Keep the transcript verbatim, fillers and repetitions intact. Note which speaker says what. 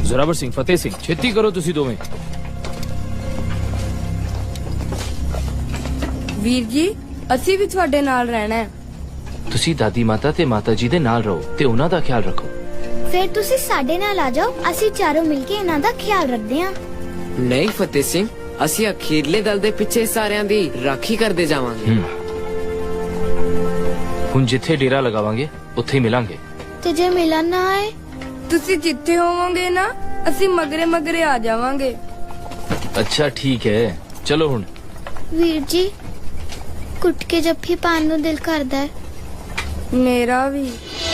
Speaker 1: ਜ਼ੋਰਾਵਰ ਸਿੰਘ, ਫਤਿਹ ਸਿੰਘ, ਛੇਤੀ ਕਰੋ ਤੁਸੀਂ ਦੋਵੇਂ।
Speaker 2: ਵੀਰ ਜੀ ਅਸੀਂ ਵੀ ਤੁਹਾਡੇ ਨਾਲ ਰਹਿਣਾ ਹੈ।
Speaker 1: ਤੁਸੀਂ ਦਾਦੀ ਮਾਤਾ ਤੇ ਮਾਤਾ ਜੀ ਦੇ ਨਾਲ ਰਹੋ ਤੇ ਉਹਨਾਂ ਦਾ ਖਿਆਲ ਰੱਖੋ।
Speaker 3: ਫਿਰ ਤੁਸੀਂ ਸਾਡੇ ਨਾਲ ਆ ਜਾਓ, ਅਸੀਂ ਚਾਰੋਂ ਮਿਲ ਕੇ ਇਹਨਾਂ ਦਾ ਖਿਆਲ ਰੱਖਦੇ ਹਾਂ।
Speaker 4: ਨਹੀਂ ਫਤਿਹ ਸਿੰਘ, ਅਸੀਂ ਅਖੀਰਲੇ ਦਲ ਦੇ ਪਿੱਛੇ ਸਾਰਿਆਂ ਦੀ ਰਾਖੀ ਕਰਦੇ ਜਾਵਾਂਗੇ।
Speaker 1: ਹੁਣ ਜਿੱਥੇ ਡੇਰਾ ਲਗਾਵਾਂਗੇ ਉੱਥੇ ਹੀ ਮਿਲਾਂਗੇ।
Speaker 3: ਤੇ ਜੇ ਮਿਲਣ ਨਾ ਆਏ?
Speaker 2: ਤੁਸੀਂ ਜਿੱਥੇ ਹੋਵੋਗੇ ਨਾ ਅਸੀਂ ਮਗਰੇ ਮਗਰੇ ਆ ਜਾਵਾਂਗੇ।
Speaker 1: ਅੱਛਾ ਠੀਕ ਹੈ, ਚਲੋ ਹੁਣ।
Speaker 3: ਵੀਰ ਜੀ ਕੁੱਟ ਕੇ ਜੱਫੀ ਪਾਣ ਨੂੰ ਦਿਲ ਕਰਦਾ ਹੈ।
Speaker 2: ਮੇਰਾ ਵੀ।